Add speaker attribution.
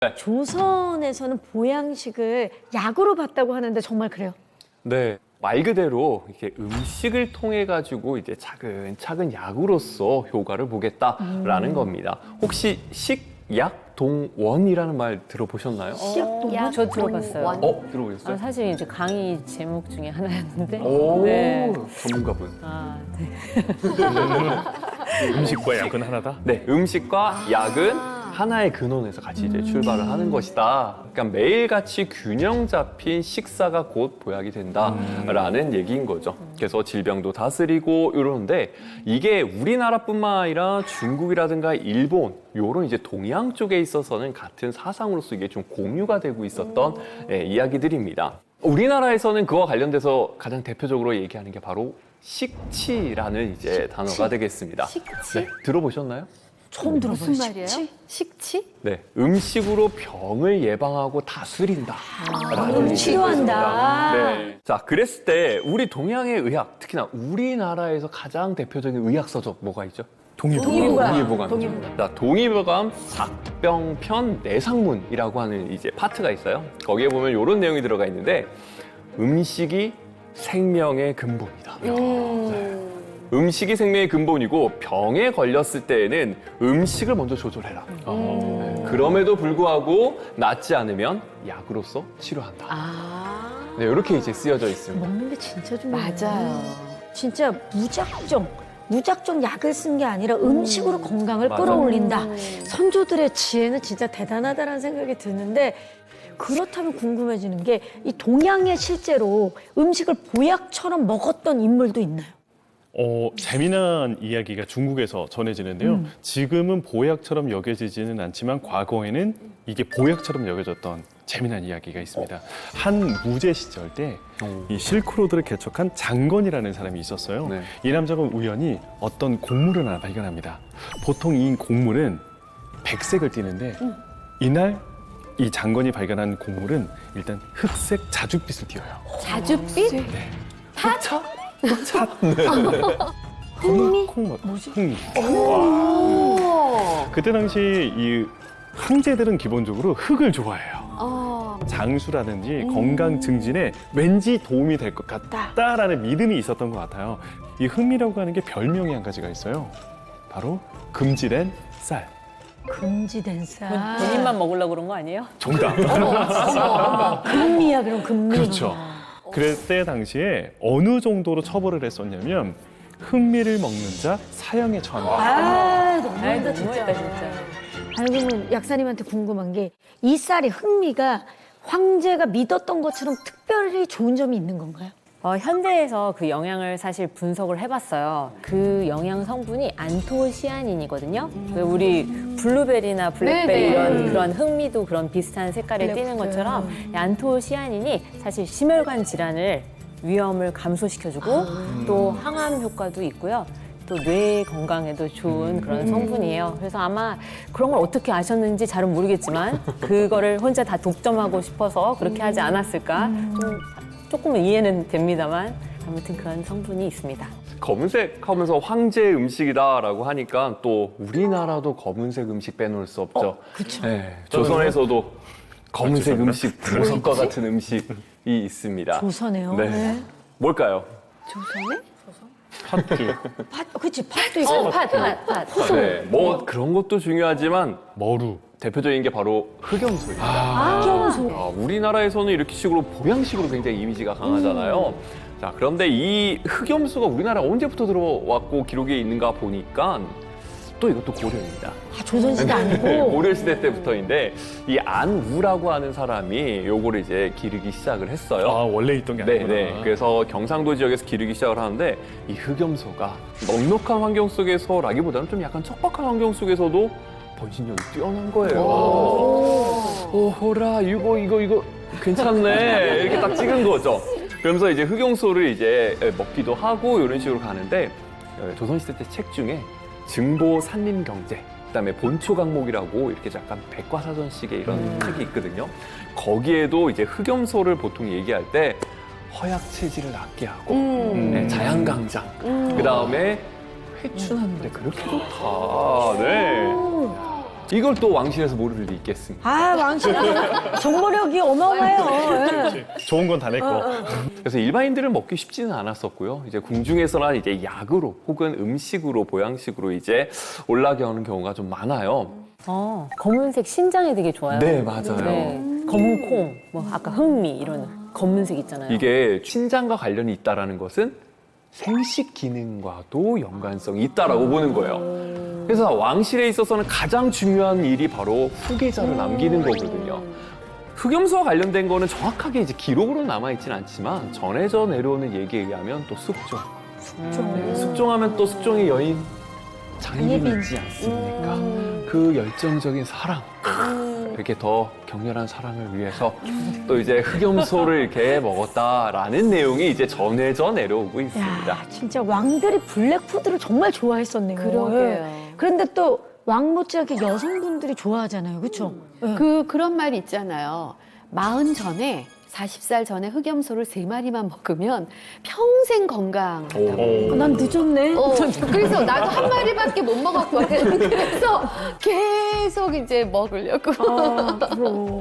Speaker 1: 조선에서는 보양식을 약으로 봤다고 하는데 정말 그래요?
Speaker 2: 네, 말 그대로 이렇게 음식을 통해 가지고 이제 차근차근 약으로서 효과를 보겠다라는 겁니다. 혹시 식약동원이라는 말 들어보셨나요?
Speaker 1: 식약동원?
Speaker 3: 저 들어봤어요.
Speaker 2: 들어보셨어요?
Speaker 3: 사실 이제 강의 제목 중에 하나였는데.
Speaker 2: 오,
Speaker 3: 네.
Speaker 2: 전문가분.
Speaker 3: 네.
Speaker 4: 음식과 약은 하나다?
Speaker 2: 네, 음식과 약은 하나의 근원에서 같이 이제 출발을 하는 것이다. 그러니까 매일같이 균형 잡힌 식사가 곧 보약이 된다라는 얘기인 거죠. 그래서 질병도 다스리고 이러는데 이게 우리나라뿐만 아니라 중국이라든가 일본 요런 이제 동양 쪽에 있어서는 같은 사상으로서 이게 좀 공유가 되고 있었던 이야기들입니다. 우리나라에서는 그와 관련돼서 가장 대표적으로 얘기하는 게 바로 식치라는 이제 단어가 되겠습니다.
Speaker 1: 식치?
Speaker 2: 네, 들어보셨나요?
Speaker 1: 처음 들어봐요.
Speaker 3: 무슨 말이에요?
Speaker 1: 식치?
Speaker 2: 네, 음식으로 병을 예방하고 다스린다. 라는
Speaker 1: 치료한다.
Speaker 2: 얘기입니다. 네. 자, 그랬을 때 우리 동양의 의학, 특히나 우리나라에서 가장 대표적인 의학 서적 뭐가 있죠? 동의보감이죠. 자, 동의보감 작병편 내상문이라고 하는 이제 파트가 있어요. 거기에 보면 이런 내용이 들어가 있는데 음식이 생명의 근본이다. 음식이 생명의 근본이고 병에 걸렸을 때에는 음식을 먼저 조절해라. 그럼에도 불구하고 낫지 않으면 약으로서 치료한다. 네, 이렇게 이제 쓰여져 있습니다.
Speaker 1: 먹는 게 진짜 중요해요.
Speaker 3: 맞아요.
Speaker 1: 진짜 무작정 약을 쓴 게 아니라 음식으로 건강을
Speaker 2: 맞아요.
Speaker 1: 끌어올린다. 선조들의 지혜는 진짜 대단하다는 생각이 드는데 그렇다면 궁금해지는 게 이 동양에 실제로 음식을 보약처럼 먹었던 인물도 있나요?
Speaker 4: 재미난 이야기가 중국에서 전해지는데요. 지금은 보약처럼 여겨지지는 않지만 과거에는 이게 보약처럼 여겨졌던 재미난 이야기가 있습니다. 한 무제 시절 때 이 실크로드를 개척한 장건이라는 사람이 있었어요.
Speaker 2: 네.
Speaker 4: 이 남자가 우연히 어떤 곡물을 하나 발견합니다. 보통 이 곡물은 백색을 띠는데 이날 이 장건이 발견한 곡물은 일단 흑색 자줏빛을 띄어요.
Speaker 3: 자줏빛?
Speaker 1: 흥미?
Speaker 4: 흥미. 그때 당시 이 황제들은 기본적으로 흙을 좋아해요. 장수라든지 건강 증진에 왠지 도움이 될 것 같다라는 믿음이 있었던 것 같아요. 이 흑미라고 하는 게 별명이 한 가지가 있어요. 바로 금지된 쌀.
Speaker 1: 금지된 쌀.
Speaker 3: 본인만 먹으려고 그런 거 아니에요?
Speaker 4: 정답.
Speaker 1: 금미야 그럼 금미.
Speaker 4: 그렇죠. 그때 당시에 어느 정도로 처벌을 했었냐면 흑미를 먹는 자 사형에 처한다.
Speaker 1: 너무한다 진짜.
Speaker 3: 너무했다, 진짜.
Speaker 1: 아니 그러면 약사님한테 궁금한 게 이 쌀이 흑미가 황제가 믿었던 것처럼 특별히 좋은 점이 있는 건가요?
Speaker 3: 현대에서 그 영양을 사실 분석을 해봤어요. 그 영양 성분이 안토시아닌이거든요. 우리 블루베리나 블랙베리 이런 그런 흑미도 그런 비슷한 색깔에 띄는 것처럼 이 안토시아닌이 사실 심혈관 질환을 위험을 감소시켜주고 또 항암 효과도 있고요. 또 뇌 건강에도 좋은 그런 성분이에요. 그래서 아마 그런 걸 어떻게 아셨는지 잘은 모르겠지만 그거를 혼자 다 독점하고 싶어서 그렇게 하지 않았을까 조금은 이해는 됩니다만 아무튼 그런 성분이 있습니다.
Speaker 2: 검은색 하면서 황제 음식이다라고 하니까 또 우리나라도 검은색 음식 빼놓을 수 없죠.
Speaker 1: 그렇죠.
Speaker 2: 네, 조선에서도 검은색
Speaker 4: 죄송합니다.
Speaker 2: 음식, 보석과 같은 음식이 있습니다.
Speaker 1: 조선에요.
Speaker 2: 네. 뭘까요?
Speaker 1: 조선에?
Speaker 4: 팥죽,
Speaker 1: 그치 팥도 있고.
Speaker 3: 팥.
Speaker 2: 네, 뭐 그런 것도 중요하지만
Speaker 4: 머루.
Speaker 2: 대표적인 게 바로 흑염소입니다.
Speaker 1: 흑염소.
Speaker 2: 우리나라에서는 이렇게 식으로 보양식으로 굉장히 이미지가 강하잖아요. 자, 그런데 이 흑염소가 우리나라에 언제부터 들어왔고 기록에 있는가 보니까 또 이것도 고려입니다.
Speaker 1: 조선시대 아니고.
Speaker 2: 고려시대 때부터인데 이 안우라고 하는 사람이 요거를 이제 기르기 시작을 했어요.
Speaker 4: 원래 있던 게 아니구나.
Speaker 2: 네네. 그래서 경상도 지역에서 기르기 시작을 하는데 이 흑염소가 넉넉한 환경 속에서라기보다는 좀 약간 척박한 환경 속에서도 번식력이 뛰어난 거예요. 오호라 이거 괜찮네 이렇게 딱 찍은 거죠. 그러면서 이제 흑염소를 이제 먹기도 하고 이런 식으로 가는데 조선시대 때 책 중에 증보 산림경제 그다음에 본초강목이라고 이렇게 약간 백과사전식의 이런 책이 있거든요. 거기에도 이제 흑염소를 보통 얘기할 때 허약 체질을 낫게 하고 네, 자양강장 그다음에 회춘하는데 그렇게 좋다. 네. 이걸 또 왕실에서 모를 일이 있겠습니까?
Speaker 1: 아, 왕실 정보력이 어마어마해요. 예.
Speaker 4: 좋은 건 다 내 거.
Speaker 2: 그래서 일반인들은 먹기 쉽지는 않았었고요. 이제 궁중에서나 이제 약으로 혹은 음식으로 보양식으로 이제 올라가는 경우가 좀 많아요.
Speaker 3: 검은색 신장이 되게 좋아요.
Speaker 2: 네, 맞아요.
Speaker 3: 검은 콩, 뭐 아까 흑미 이런 검은색 있잖아요.
Speaker 2: 이게 신장과 관련이 있다라는 것은 생식 기능과도 연관성이 있다라고 보는 거예요. 그래서 왕실에 있어서는 가장 중요한 일이 바로 후계자를 남기는 거거든요. 흑염소와 관련된 거는 정확하게 이제 기록으로 남아있진 않지만 전해져 내려오는 얘기에 의하면 또 숙종. 네, 숙종하면 또 숙종의 여인 장희빈이 있지 않습니까? 그 열정적인 사랑. 이렇게 더 격렬한 사랑을 위해서 또 이제 흑염소를 이렇게 먹었다라는 내용이 이제 전해져 내려오고 있습니다.
Speaker 1: 야, 진짜 왕들이 블랙푸드를 정말 좋아했었네요.
Speaker 5: 그러게요.
Speaker 1: 예. 그런데 또 왕 못지않게 여성분들이 좋아하잖아요. 그렇죠?
Speaker 5: 그런 말이 있잖아요. 40 전에 40살 전에 흑염소를 3마리만 먹으면 평생 건강하다고.
Speaker 1: 난 늦었네.
Speaker 5: 그래서 나도 한 마리밖에 못 먹었거든. 그래서 계속 이제 먹으려고.
Speaker 1: 아, 그럼.